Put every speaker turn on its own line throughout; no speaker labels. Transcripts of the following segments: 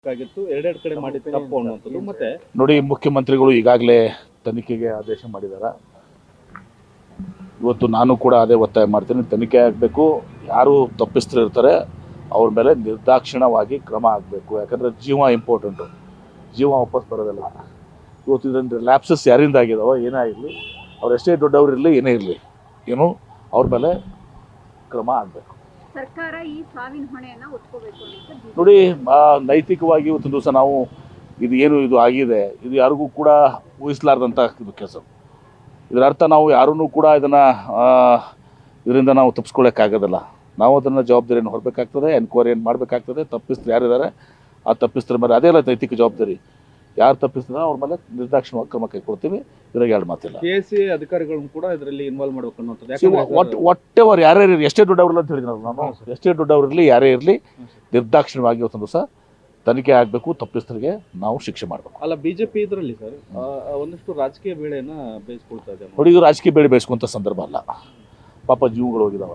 ಆಗಿತ್ತು ಎರಡೆರಡು ಕಡೆ ಮಾಡಿ ತಪ್ಪು ಅನ್ನುವಂಥದ್ದು. ಮತ್ತೆ
ನೋಡಿ, ಮುಖ್ಯಮಂತ್ರಿಗಳು ಈಗಾಗಲೇ ತನಿಖೆಗೆ ಆದೇಶ ಮಾಡಿದ್ದಾರೆ. ಇವತ್ತು ನಾನು ಕೂಡ ಅದೇ ಒತ್ತಾಯ ಮಾಡ್ತೀನಿ, ತನಿಖೆ ಆಗಬೇಕು. ಯಾರು ತಪ್ಪಿಸ್ತರು ಇರ್ತಾರೆ ಅವ್ರ ಮೇಲೆ ನಿರ್ದಾಕ್ಷಿಣ್ಯವಾಗಿ ಕ್ರಮ ಆಗಬೇಕು. ಯಾಕಂದರೆ ಜೀವ ಇಂಪಾರ್ಟೆಂಟು, ಜೀವ ವಾಪಸ್ ಬರೋದಿಲ್ಲ. ಇವತ್ತು ಇದರಿಂದ ಲ್ಯಾಪ್ಸಸ್ ಯಾರಿಂದ ಆಗಿದಾವೋ ಏನೇ ಆಗಿರಲಿ, ಅವ್ರು ಎಷ್ಟೇ ದೊಡ್ಡವ್ರು ಇರಲಿ ಏನೇ ಇರಲಿ, ಏನು ಅವ್ರ ಮೇಲೆ ಕ್ರಮ ಆಗಬೇಕು.
ಸರ್ಕಾರ ಈ ಸಾವಿನ ಹೊಣೆಯನ್ನು ಹೊತ್ಕೋಬೇಕು ಅಂತ
ನೋಡಿ, ನೈತಿಕವಾಗಿ ಇವತ್ತಿನ ದಿವಸ ನಾವು ಇದು ಆಗಿದೆ, ಇದು ಯಾರಿಗೂ ಕೂಡ ಊಹಿಸಲಾರ್ದಂಥ ಇದು ಕೆಲಸ. ಇದರ ಅರ್ಥ ನಾವು ಯಾರೂ ಕೂಡ ಇದರಿಂದ ನಾವು ತಪ್ಪಿಸ್ಕೊಳ್ಳೋಕ್ಕಾಗೋದಿಲ್ಲ. ನಾವು ಅದನ್ನು ಜವಾಬ್ದಾರಿಯನ್ನು ಹೊರಬೇಕಾಗ್ತದೆ, ಎನ್ಕ್ವೈರಿಯನ್ನು ಮಾಡಬೇಕಾಗ್ತದೆ. ತಪ್ಪಿಸ್ತರು ಯಾರಿದ್ದಾರೆ ಆ ತಪ್ಪಿಸ್ತರ ಮೇಲೆ ಅದೇ ಅಲ್ಲ ನೈತಿಕ ಜವಾಬ್ದಾರಿ. ಯಾರು ತಪ್ಪಿಸ್ತಾರೋ ಅವ್ರ ಮೇಲೆ ನಿರ್ದಾಕ್ಷಿಣ್ಯವಾಗಿ ಕ್ರಮ ಕೈಗೊಳ್ತೀವಿ. ಇದ್ರಾಗ ಎರಡು ಮಾತಿಲ್ಲ.
KSA ಅಧಿಕಾರಿಗಳನ್ನು ಕೂಡ ಇದರಲ್ಲಿ ಇನ್ವಾಲ್ವ್ ಮಾಡಬೇಕು ಅನ್ನೋದು.
ಒಟ್ಟೆವರು ಯಾರ್ಯಾರು ಇರಲಿ, ಎಷ್ಟೇ ದೊಡ್ಡವ್ರಲ್ಲ ಅಂತ ಹೇಳಿದ್ರು ನಾನು, ಎಷ್ಟೇ ದೊಡ್ಡವ್ರು ಇರಲಿ ಯಾರೇ ಇರಲಿ, ನಿರ್ದಾಕ್ಷಿಣ್ಯವಾಗಿ ಇವತ್ತೊಂದು ದಿವಸ ತನಿಖೆ ಆಗಬೇಕು. ತಪ್ಪಿಸ್ತರಿಗೆ ನಾವು ಶಿಕ್ಷೆ ಮಾಡಬೇಕು.
ಅಲ್ಲ, BJP ಇದರಲ್ಲಿ ಸರ್ ಒಂದಷ್ಟು ರಾಜಕೀಯ ಬೇಳೆಯನ್ನು ಬೇಯಿಸ್ಕೊಳ್ತಾ ಇದೆ.
ನೋಡಿ, ಇದು ರಾಜಕೀಯ ಬೇಳೆ ಬೇಯಿಸ್ಕೊಂಥ ಸಂದರ್ಭ ಅಲ್ಲ. ಪಾಪ ಜೀವಗಳು ಹೋಗಿದ್ದಾವೆ.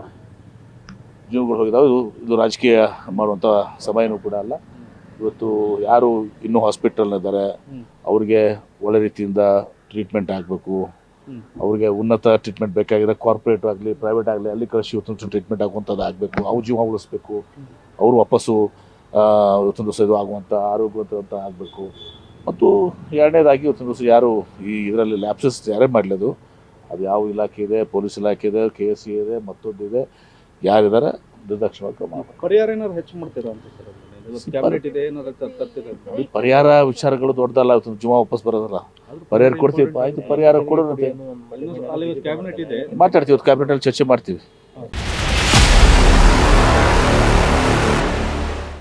ಇದು ರಾಜಕೀಯ ಮಾಡುವಂಥ ಸಮಯನೂ ಕೂಡ ಅಲ್ಲ. ಇವತ್ತು ಯಾರು ಇನ್ನೂ ಹಾಸ್ಪಿಟಲ್ನಿದ್ದಾರೆ ಅವ್ರಿಗೆ ಒಳ್ಳೆ ರೀತಿಯಿಂದ ಟ್ರೀಟ್ಮೆಂಟ್ ಆಗಬೇಕು. ಅವ್ರಿಗೆ ಉನ್ನತ ಟ್ರೀಟ್ಮೆಂಟ್ ಬೇಕಾಗಿದೆ. ಕಾರ್ಪೊರೇಟ್ ಆಗಲಿ ಪ್ರೈವೇಟ್ ಆಗಲಿ ಅಲ್ಲಿ ಕಳಿಸಿ ಇವತ್ತೊಂದು ಟ್ರೀಟ್ಮೆಂಟ್ ಆಗುವಂಥದ್ದು ಆಗಬೇಕು. ಅವ್ರ ಜೀವ ಉಳಿಸ್ಬೇಕು. ಅವರು ವಾಪಸ್ಸು ಇವತ್ತೊಂದು ದಿವಸ ಇದು ಆಗುವಂಥ ಆರೋಗ್ಯವಂತ ಆಗಬೇಕು. ಮತ್ತು ಎರಡನೇದಾಗಿ ಇವತ್ತೊಂದು ದಿವಸ ಯಾರು ಇದರಲ್ಲಿ ಲ್ಯಾಪ್ಸಸ್ ಯಾರೇ ಮಾಡಲಿದ್ದು, ಅದು ಯಾವ ಇಲಾಖೆ ಇದೆ, ಪೊಲೀಸ್ ಇಲಾಖೆ ಇದೆ, KSA ಇದೆ, ಮತ್ತೊಂದಿದೆ, ಯಾರಿದ್ದಾರೆ ನಿರ್ದಾಕ್ಷಿಣ್ಯವಾಗಿ ಕ್ರಮ ಮಾಡಬೇಕು.
ಪರಿಹಾರ ಏನಾದ್ರು ಹೆಚ್ಚು ಮಾಡ್ತೀರಾ ಅಂತ ಸರ್? ಕ್ಯಾಬಿನೆಟ್ ಇದೆ, ಏನಾದ್ರು
ಪರಿಹಾರ ವಿಚಾರಗಳು ದೊಡ್ಡದಲ್ಲ. ಇವತ್ತು ಜೀವ ವಾಪಸ್ ಬರೋದಲ್ಲ. ಪರಿಹಾರ ಕೊಡ್ತೀವಿ, ಆಯ್ತು ಪರಿಹಾರ ಕೊಡೋದಂತೆ
ಕ್ಯಾಬಿನೆಟ್ ಇದೆ,
ಮಾತಾಡ್ತೀವಿ. ಕ್ಯಾಬಿನೆಟಲ್ಲಿ ಚರ್ಚೆ ಮಾಡ್ತೀವಿ.